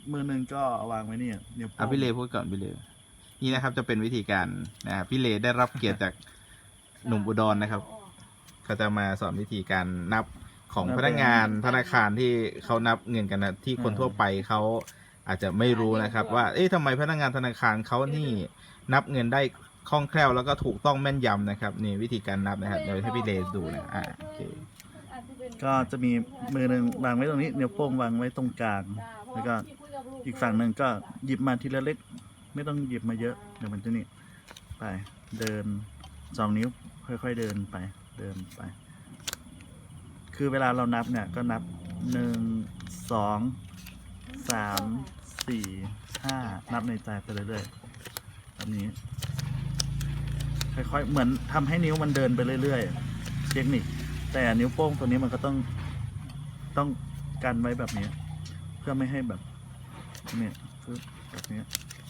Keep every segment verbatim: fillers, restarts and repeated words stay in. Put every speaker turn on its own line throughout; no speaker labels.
มือหนึ่งก็วางไว้นี่นิ้วโป้
อ่ะ
ง
พี่เลพูดก่อนพี่เลนี่นะครับจะเป็นวิธีการนะครับพี่เลได้รับเกียรติจากหนุ่มอุดรนะครับเขาจะมาสอนวิธีการนับของพนักงานธนาคารที่เขานับเงินกันนะที่คนทั่วไปเขาอาจจะไม่รู้นะครับ ว่าเอ๊ะทำไมพนักงานธนาคารเขานี่นับเงินได้คล่องแคล่วแล้วก็ถูกต้องแม่นยำนะครับนี่วิธีการนับนะครับเดี๋ยวให้พี่เลดูนะอ่าโอเค
ก็จะมีมือหนึ่งวางไว้ตรงนี้นิ้วโป้งวางไว้ตรงกลางแล้วก็อีกฝั่งหนึ่งก็หยิบมาทีละเล็กไม่ต้องหยิบมาเยอะเดี๋ยวมันจะนี่ไปเดินสองนิ้วค่อยๆเดินไปเดินไป คือเวลาเรานับเนี่ยก็นับหนึ่งสองสามสี่ห้านับในใจไปเรื่อยๆแบบนี้ค่อยๆเหมือนทำให้นิ้วมันเดินไปเรื่อยๆเทคนิคแต่นิ้วโป้งตัวนี้มันก็ต้องต้องกันไว้แบบนี้ เพื่อไม่ให้แบบเนี่ยคือแบบนี้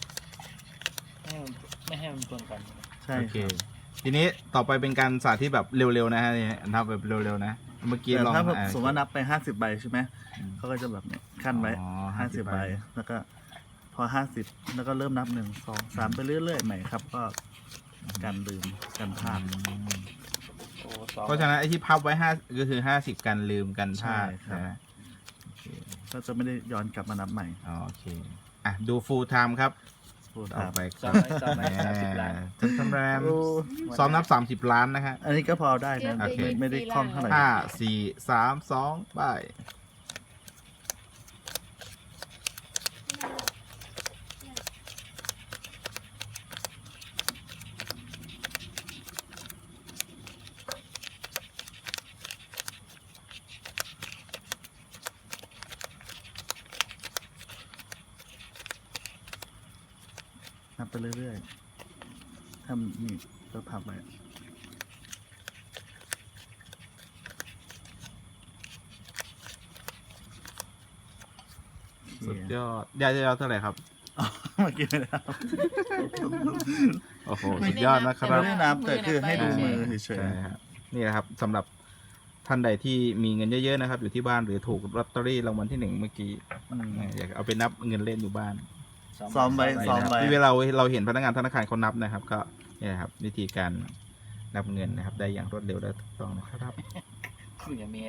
ไม่ให้มันชนกัน
ใช่
โอ
ค
เค
รับ
ทีนี้ต่อไปเป็นการสาธิตแบบเร็วๆนะฮะนี่นับแบบเร็วๆนะเมื่อกี้
แต่
ลอง
ถ้าแบบ
อ่า
สมมติว่านับไปห้าสิบใบใช่ไหม
อืม
เขาก็จะแบบเนี้ยขั้นไว้
อ๋อ
ห้าสิบ
50
ใบแล้วก็พอห้าสิบแล้วก็เริ่มนับหนึ่งสองสามไปเรื่อยๆใหม่ครับ ก็การลืมการพลาด
โอ้สอง
เพราะฉะนั้นไอ้ที่พับไว้ห้าก็คือห้าสิบกันลืมกันพลาด
ใช่ครับ
นะโอเค
ก็จะไม่ได้ย้อนกลับมานับใหม่
อ๋อโอเคอ่ะดู full time ครับ
พูด
ต่อ
ตาม
ไป
สองร้อยสองร้อยสามสิบล้าน
จันทำแรม
โอ้
ซ้อมนับสามสิบล้านนะฮะ
อันนี้ก็พอได้นะ
โอเค
ไม่ไม่ได้คล่องเท่าไหร่
ห้าสี่สามสองไป
นับไปเรื่อยๆทำนี่ก็พับไว้
สุดยอดยอดยอดเท่าไหร่ครับ
อ๋อเมื่อกี้ไม่ได้นับ
โอ้โหสุดยอดนะครั
ไม่
บ
ได้นับแต่คือให้ดูมือเฉย
ใช่ครับนี่นะครับสำหรับท่านใดที่มีเงินเยอะๆนะครับ อยู่ที่บ้านหรือถูกลอตเตอรี่รางวัลที่หนึ่งเมื่อกี้
ๆอืม
อยากเอาไปนับเงินเล่นอยู่บ้าน
ซ้อมไว้ซ้อมไว้
ที่เวลาเราเห็นพนักงานธนาคารเขานับนะครับ ก็นี่นะครับวิธีการนับเงินนะครับ ได้อย่างรวดเร็วและถูกต้องนะครับ
คืออย่างนี้